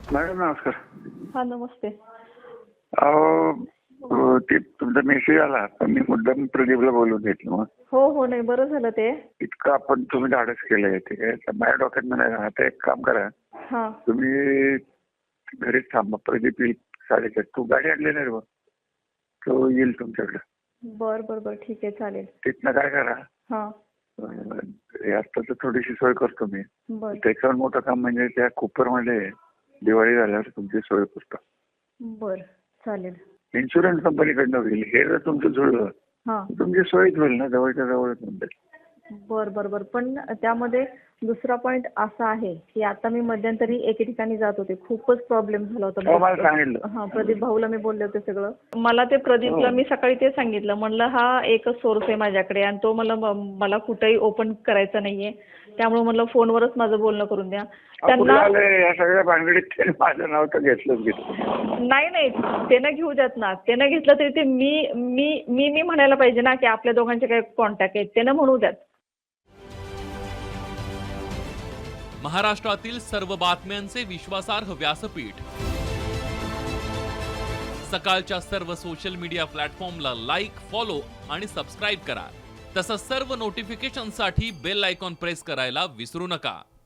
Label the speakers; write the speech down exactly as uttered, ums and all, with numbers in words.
Speaker 1: Madam नमस्कार.
Speaker 2: हा नमस्ते.
Speaker 1: अहो ते तुमचा मेसेज आला पण मी मुद्दाम प्रदीपला बोलून घेतलं. मग
Speaker 2: हो हो नाही बरं झालं ते.
Speaker 1: इतकं आपण तुम्ही धाडस केलंय ते काय माझ्या डोक्यात म्हणायला आता एक काम करा,
Speaker 2: हा
Speaker 1: तुम्ही घरीच थांबा. प्रदीप येईल साडेचार. तू गाडी आणली नाही रे बघ, तो येईल तुमच्याकडे.
Speaker 2: बर बर बर ठीक आहे चालेल.
Speaker 1: तिथनं काय करा,
Speaker 2: हा
Speaker 1: आता तर थोडीशी सोय करतो मी.
Speaker 2: बर
Speaker 1: त्याच्यावर मोठं काम म्हणजे त्या कुपरमध्ये दिवाळी झाल्यावर तुमची सोय करतो.
Speaker 2: बर चालेल.
Speaker 1: इन्शुरन्स कंपनीकडनं होईल. हे जर तुमचं जुळलं
Speaker 2: हा
Speaker 1: तुमची सोयच होईल ना, जवळच्या जवळच म्हणजे.
Speaker 2: बर बर बर पण त्यामध्ये दुसरा पॉइंट असा आहे की आता मी मध्यंतरी एके ठिकाणी जात होते, खूपच प्रॉब्लेम झाला
Speaker 1: हो, मला
Speaker 2: होता.
Speaker 1: सांगितलं.
Speaker 2: हा प्रदीप भाऊला मी बोलले होते सगळं. मला ते प्रदीपला मी सकाळी ते सांगितलं, म्हणलं हा एकच सोर्स आहे माझ्याकडे आणि तो मला मला कुठेही ओपन करायचा नाहीये, त्यामुळे म्हणलं फोनवरच माझं बोलणं करून द्या.
Speaker 1: त्यांना या सगळ्या भानगडीत माझं नाव तर घेतलंच घेतलं.
Speaker 2: नाही नाही ते न घेऊ देत ना. ते न घेतलं तरी ते मी मी मी मी म्हणायला पाहिजे ना की आपल्या दोघांचे काही कॉन्टॅक्ट आहेत, ते न म्हणू द्यात.
Speaker 3: महाराष्ट्रातील सर्व बातम्यांचे विश्वासार्ह व्यासपीठ, सकाळच्या सर्व सोशल मीडिया प्लॅटफॉर्मला लाईक, फॉलो आणि सबस्क्राईब करा. तसंच सर्व नोटिफिकेशनसाठी बेल आयकॉन प्रेस करायला विसरू नका.